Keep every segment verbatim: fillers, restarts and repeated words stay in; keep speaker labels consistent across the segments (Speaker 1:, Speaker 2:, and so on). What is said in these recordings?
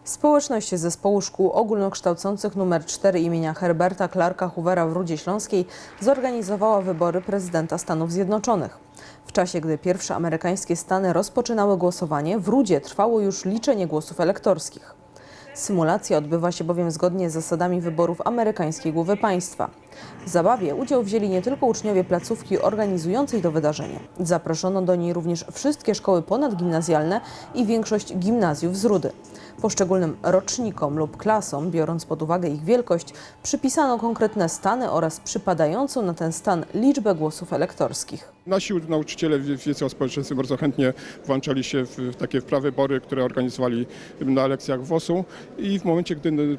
Speaker 1: Społeczność Zespołu Szkół Ogólnokształcących nr cztery imienia Herberta Clarka Hoovera w Rudzie Śląskiej zorganizowała wybory prezydenta Stanów Zjednoczonych. W czasie, gdy pierwsze amerykańskie stany rozpoczynały głosowanie, w Rudzie trwało już liczenie głosów elektorskich. Symulacja odbywa się bowiem zgodnie z zasadami wyborów amerykańskiej głowy państwa. W zabawie udział wzięli nie tylko uczniowie placówki organizującej to wydarzenie. Zaproszono do niej również wszystkie szkoły ponadgimnazjalne i większość gimnazjów z Rudy. Poszczególnym rocznikom lub klasom, biorąc pod uwagę ich wielkość, przypisano konkretne stany oraz przypadającą na ten stan liczbę głosów elektorskich.
Speaker 2: Nasi nauczyciele wiedzy o społeczeństwie bardzo chętnie włączali się w takie prawybory, które organizowali na lekcjach W O S-u i w momencie, gdy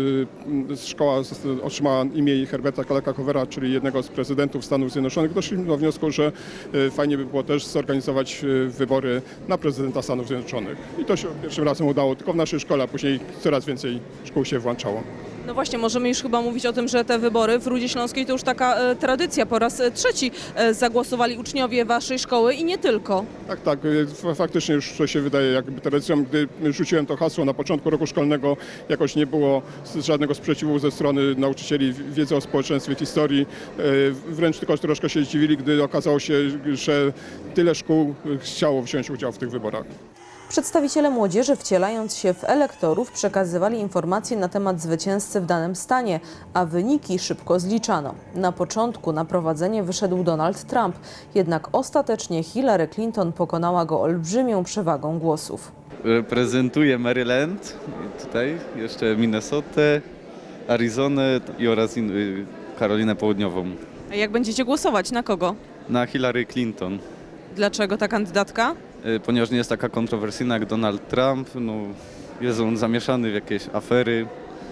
Speaker 2: szkoła otrzymała imię Herberta Clarka Hoovera, czyli jednego z prezydentów Stanów Zjednoczonych, doszliśmy do wniosku, że fajnie by było też zorganizować wybory na prezydenta Stanów Zjednoczonych. I to się pierwszym razem udało tylko w naszej szkole, a później coraz więcej szkół się włączało.
Speaker 3: No właśnie, możemy już chyba mówić o tym, że te wybory w Rudzie Śląskiej to już taka e, tradycja. Po raz e, trzeci e, zagłosowali uczniowie waszej szkoły i nie tylko.
Speaker 2: Tak, tak. Faktycznie już to się wydaje jakby tradycją. Gdy rzuciłem to hasło na początku roku szkolnego, jakoś nie było żadnego sprzeciwu ze strony nauczycieli wiedzy o społeczeństwie, historii. Wręcz tylko troszkę się zdziwili, gdy okazało się, że tyle szkół chciało wziąć udział w tych wyborach.
Speaker 1: Przedstawiciele młodzieży, wcielając się w elektorów, przekazywali informacje na temat zwycięzcy w danym stanie, a wyniki szybko zliczano. Na początku na prowadzenie wyszedł Donald Trump, jednak ostatecznie Hillary Clinton pokonała go olbrzymią przewagą głosów.
Speaker 4: Reprezentuję Maryland, tutaj jeszcze Minnesotę, Arizonę i oraz Karolinę Południową.
Speaker 3: A jak będziecie głosować? Na kogo?
Speaker 4: Na Hillary Clinton.
Speaker 3: Dlaczego ta kandydatka?
Speaker 4: Ponieważ nie jest taka kontrowersyjna jak Donald Trump, no, jest on zamieszany w jakieś afery,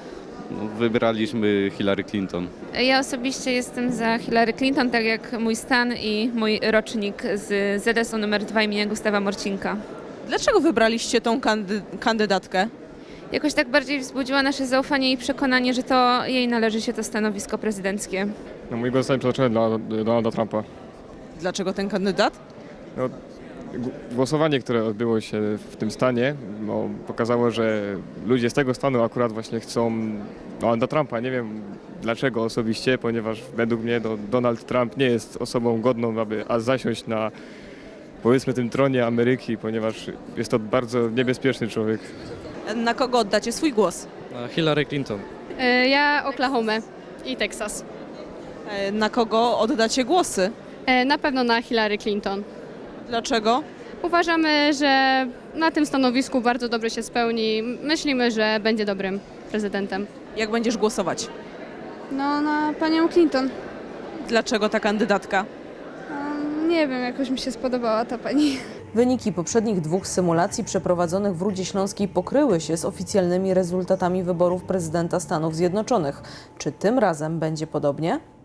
Speaker 4: no, wybraliśmy Hillary Clinton.
Speaker 5: Ja osobiście jestem za Hillary Clinton, tak jak mój stan i mój rocznik z Z S U numer dwa imienia Gustawa Morcinka.
Speaker 3: Dlaczego wybraliście tą kandy kandydatkę?
Speaker 5: Jakoś tak bardziej wzbudziła nasze zaufanie i przekonanie, że to jej należy się to stanowisko prezydenckie.
Speaker 6: No, mój głos zostaje przeznaczony dla Donalda Trumpa.
Speaker 3: Dlaczego ten kandydat?
Speaker 6: No, głosowanie, które odbyło się w tym stanie, no, pokazało, że ludzie z tego stanu akurat właśnie chcą Donalda Trumpa. Nie wiem dlaczego osobiście, ponieważ według mnie no, Donald Trump nie jest osobą godną, aby a zasiąść na, powiedzmy, tym tronie Ameryki, ponieważ jest to bardzo niebezpieczny człowiek.
Speaker 3: Na kogo oddacie swój głos?
Speaker 7: Na Hillary Clinton.
Speaker 8: Ja Oklahomę i Teksas.
Speaker 3: E, Na kogo oddacie głosy?
Speaker 8: Na pewno na Hillary Clinton.
Speaker 3: Dlaczego?
Speaker 8: Uważamy, że na tym stanowisku bardzo dobrze się spełni. Myślimy, że będzie dobrym prezydentem.
Speaker 3: Jak będziesz głosować?
Speaker 9: No, na panią Clinton.
Speaker 3: Dlaczego ta kandydatka?
Speaker 9: Um, nie wiem, jakoś mi się spodobała ta pani.
Speaker 1: Wyniki poprzednich dwóch symulacji przeprowadzonych w Rudzie Śląskiej pokryły się z oficjalnymi rezultatami wyborów prezydenta Stanów Zjednoczonych. Czy tym razem będzie podobnie?